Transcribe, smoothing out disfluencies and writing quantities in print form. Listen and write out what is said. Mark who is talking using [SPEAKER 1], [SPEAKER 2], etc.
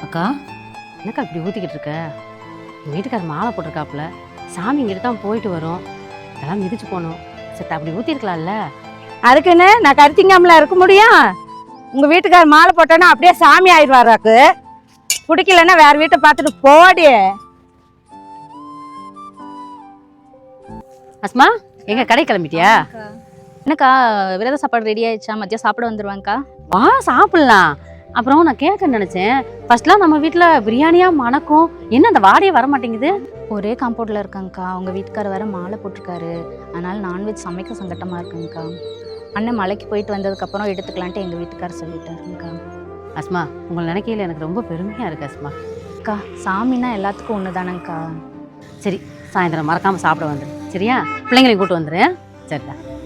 [SPEAKER 1] அக்கா, என்னக்கா இப்படி ஊற்றிக்கிட்டு இருக்க? எங்கள் வீட்டுக்காரர் மாலை போட்டிருக்காப்புல, சாமி இங்கிட்டு தான் போயிட்டு வரும், இதெல்லாம் மிதிச்சு போகணும். சரி அப்படி ஊற்றிருக்கலாம்ல.
[SPEAKER 2] அதுக்குன்னு நான் கருத்திங்காமல இருக்க முடியும்? உங்கள் வீட்டுக்காரர் மாலை போட்டோன்னா அப்படியே சாமி ஆயிடுவாராக்கு. பிடிக்கலன்னா வேற வீட்டை பார்த்துட்டு போடி.
[SPEAKER 1] அஸ்மா, எங்க கடை கிளம்பிட்டியா?
[SPEAKER 3] என்னக்கா விரத சாப்பாடு ரெடி ஆயிடுச்சா? மதியம் சாப்பிட வந்துருவாங்கக்கா.
[SPEAKER 1] வா சாப்பிடலாம். அப்புறம் நான் கேட்க நினைச்சேன், ஃபர்ஸ்ட்லாம் நம்ம வீட்டில் பிரியாணியா மணக்கும், என்ன அந்த வாடையே வர மாட்டேங்குது?
[SPEAKER 3] ஒரே காம்பவுண்டில் இருக்காங்கக்கா. அவங்க வீட்டுக்காரர் வேற மாலை போட்டிருக்காரு, அதனால நான்வெஜ் சமைக்க சங்கட்டமாக இருக்குங்கக்கா. அண்ணன் மலைக்கு போயிட்டு வந்ததுக்கப்புறம் எடுத்துக்கலான்ட்டு எங்கள் வீட்டுக்காரர் சொல்லிட்டாருங்கக்கா.
[SPEAKER 1] அஸ்மா, உங்களை நினைக்கையில் எனக்கு ரொம்ப பெருமையாக இருக்கு அஸ்மா.
[SPEAKER 3] அக்கா, சாமின்னா எல்லாத்துக்கும் ஒன்று தானேங்க்கா.
[SPEAKER 1] சரி, சாயந்தரம் மறக்காமல் சாப்பிட வந்துடு, சரியா? பிள்ளைங்களையும் கூட்டு வந்துடுறேன். சரிடா.